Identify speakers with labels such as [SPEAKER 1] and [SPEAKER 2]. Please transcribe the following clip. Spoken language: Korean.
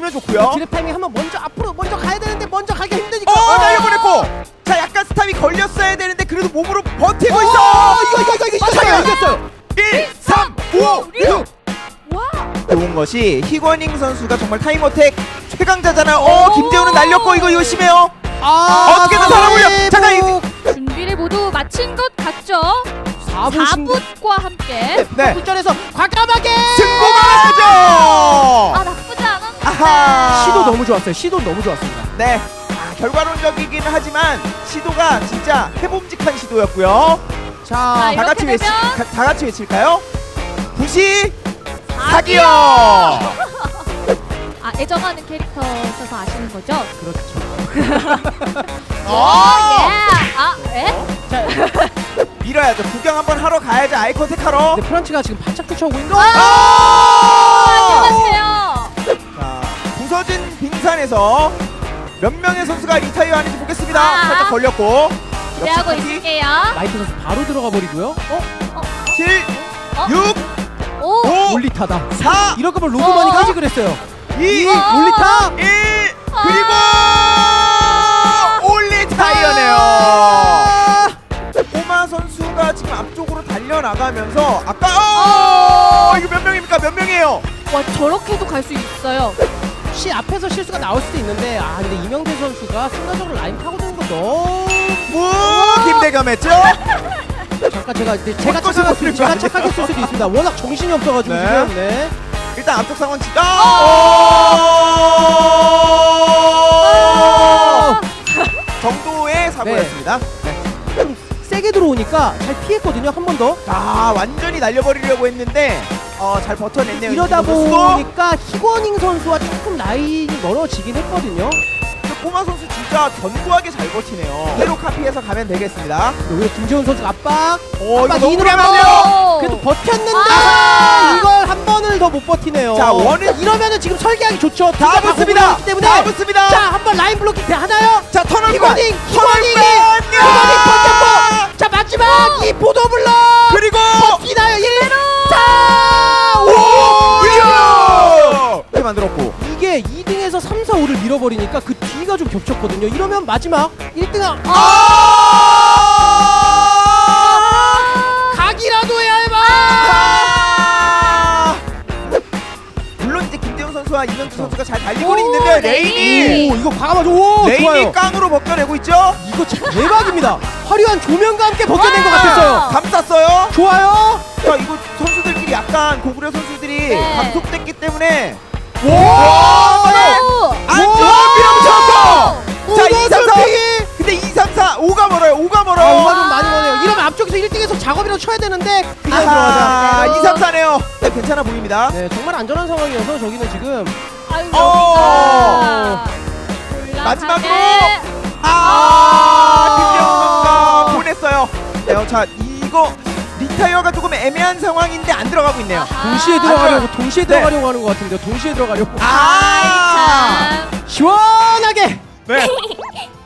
[SPEAKER 1] 보내줬고요.
[SPEAKER 2] 드랩 타이밍 한번 먼저 가야 되는데 먼저 가기 힘드니까.
[SPEAKER 1] 날려보냈고. 자, 약간 스탑이 걸렸어야 되는데 그래도 몸으로 버티고 있어.
[SPEAKER 2] 이거 이겼어요.
[SPEAKER 1] 1, 3, 5, 6.
[SPEAKER 3] 와.
[SPEAKER 1] 좋은 것이 희권잉 선수가 정말 타임어택 최강자잖아요. 김재훈은 날렸고 이거 심해요. 어떻게든 살아보려. 잠깐 이
[SPEAKER 3] 준비를 모두 마친 것 같죠?
[SPEAKER 2] 4분
[SPEAKER 3] 4분과 함께
[SPEAKER 1] 네.
[SPEAKER 2] 굴전에서 과감하게
[SPEAKER 1] 승부가 나죠.
[SPEAKER 3] 아 나쁘지 않았는데
[SPEAKER 1] 아하.
[SPEAKER 2] 시도 너무 좋았어요. 시도 너무 좋았습니다.
[SPEAKER 1] 네. 결과론적이긴 하지만 시도가 진짜 해봄직한 시도였고요.
[SPEAKER 2] 자,
[SPEAKER 3] 자,
[SPEAKER 1] 다 같이
[SPEAKER 3] 이렇게 되면
[SPEAKER 1] 다 같이 외칠까요? 부시
[SPEAKER 3] 사기요!
[SPEAKER 1] 사기요.
[SPEAKER 3] 아 애정하는 캐릭터셔서 아시는 거죠?
[SPEAKER 2] 그렇죠.
[SPEAKER 3] 예!
[SPEAKER 2] 자,
[SPEAKER 1] 밀어야죠. 구경 한번 하러 가야죠. 아이 컨택하러.
[SPEAKER 2] 근데 프란치가 지금 바짝 쫓아오고 있는데.
[SPEAKER 3] 안녕하세요.
[SPEAKER 1] 자, 부서진 빙산에서 몇 명의 선수가 리타이어 하는지 보겠습니다.
[SPEAKER 3] 아.
[SPEAKER 1] 살짝 걸렸고.
[SPEAKER 3] 기대하고
[SPEAKER 1] 역시
[SPEAKER 3] 있을게요.
[SPEAKER 2] 라이트 선수 바로 들어가 버리고요.
[SPEAKER 1] 7,
[SPEAKER 3] 어?
[SPEAKER 1] 6,
[SPEAKER 3] 오!
[SPEAKER 1] 5,
[SPEAKER 2] 올리타다.
[SPEAKER 1] 4,
[SPEAKER 2] 이럴 거면 로드만이까지 그랬어요.
[SPEAKER 1] 2,
[SPEAKER 2] 올리타.
[SPEAKER 1] 1 그리고 올리타이어네요.
[SPEAKER 2] 아!
[SPEAKER 1] 꼬마 선수가 지금 앞쪽으로 달려나가면서 아까 이거 몇 명입니까? 몇 명이에요?
[SPEAKER 3] 와 저렇게도 갈 수 있어요.
[SPEAKER 2] 시 앞에서 실수가 나올 수도 있는데 근데 이명대 선수가 순간적으로 라인 파고드는 거 너무
[SPEAKER 1] 김대겸했죠?
[SPEAKER 2] 잠깐 제가
[SPEAKER 1] 헛것을
[SPEAKER 2] 제가
[SPEAKER 1] 안
[SPEAKER 2] 착각했을 수도 있습니다. 워낙 정신이 없어가지고
[SPEAKER 1] 네.
[SPEAKER 2] 지금 네.
[SPEAKER 1] 일단 앞쪽 상황 지가 정도의 사고였습니다.
[SPEAKER 2] 좀 세게 들어오니까 잘 피했거든요. 한 번 더.
[SPEAKER 1] 완전히 날려버리려고 했는데 잘 버텨냈네요.
[SPEAKER 2] 이러다
[SPEAKER 1] 이진호 선수도.
[SPEAKER 2] 보니까 희권잉 선수와 조금 라인이 멀어지긴 했거든요.
[SPEAKER 1] 꼬마 선수 진짜 견고하게 잘 버티네요. 그대로 카피해서 가면 되겠습니다.
[SPEAKER 2] 오히려 김재훈 선수가 압박.
[SPEAKER 1] 이거
[SPEAKER 2] 압박
[SPEAKER 1] 너무
[SPEAKER 2] 이인으로
[SPEAKER 1] 무리하면 안 돼요.
[SPEAKER 2] 그래도 버텼는데
[SPEAKER 1] 아하!
[SPEAKER 2] 이걸 한 번을 더 못 버티네요.
[SPEAKER 1] 자, 원은
[SPEAKER 2] 이러면은 지금 설계하기 좋죠.
[SPEAKER 1] 다
[SPEAKER 2] 둘다
[SPEAKER 1] 붙습니다.
[SPEAKER 2] 공격이기 때문에.
[SPEAKER 1] 다 붙습니다.
[SPEAKER 2] 자, 한 번 라인 블로킹 하나요?
[SPEAKER 1] 자, 터널
[SPEAKER 2] 희권잉
[SPEAKER 1] 터널
[SPEAKER 2] 버텼고. 자, 마지막 이 보도블럭
[SPEAKER 1] 그리고
[SPEAKER 2] 버티나요? 1로
[SPEAKER 1] 이렇게 만들었고
[SPEAKER 2] 이게 2등에서 3, 4, 5를 밀어버리니까 그 뒤가 좀 겹쳤거든요. 이러면 마지막 1등은 각이라도 해야 해봐.
[SPEAKER 1] 물론 이제 김대훈 선수와 이명주 선수가 잘 달리고 있는데 레인이
[SPEAKER 3] 레인이.
[SPEAKER 2] 오, 이거 과감하죠. 오,
[SPEAKER 1] 레인이
[SPEAKER 2] 좋아요.
[SPEAKER 1] 깡으로 벗겨내고 있죠.
[SPEAKER 2] 이거 참 대박입니다. 화려한 조명과 함께 벗겨낸 것 같았어요.
[SPEAKER 1] 감쌌어요.
[SPEAKER 2] 좋아요.
[SPEAKER 1] 자, 이거 선수들끼리 약간 고구려 선수들이
[SPEAKER 3] 네.
[SPEAKER 1] 감속됐기 때문에
[SPEAKER 2] 오!
[SPEAKER 3] 오!
[SPEAKER 1] 안쪽 밀어붙였어. 자, 2, 3, 4.
[SPEAKER 2] 핑이.
[SPEAKER 1] 근데 2, 3, 4 5가 멀어요. 5가 멀어요.
[SPEAKER 2] 5가 좀 많이 머네요. 이러면 앞쪽에서 1등에서 작업이라도 쳐야 되는데 그냥
[SPEAKER 1] 아하,
[SPEAKER 2] 들어가자.
[SPEAKER 1] 2, 3, 4네요. 네, 괜찮아 보입니다.
[SPEAKER 2] 네, 정말 안전한 상황이어서 저기는 지금
[SPEAKER 3] 아유
[SPEAKER 1] 어.
[SPEAKER 3] 여기가
[SPEAKER 1] 마지막으로
[SPEAKER 3] 올라가게.
[SPEAKER 1] 김재훈 선수가 보냈어요. 네, 자, 이거 리타이어가 조금 애매한 상황인데 안 들어가고 있네요.
[SPEAKER 3] 아하.
[SPEAKER 2] 동시에
[SPEAKER 1] 네.
[SPEAKER 2] 들어가려고 하는 것 같은데요. 동시에 들어가려고.
[SPEAKER 3] 아이 참.
[SPEAKER 2] 시원하게.
[SPEAKER 1] 네.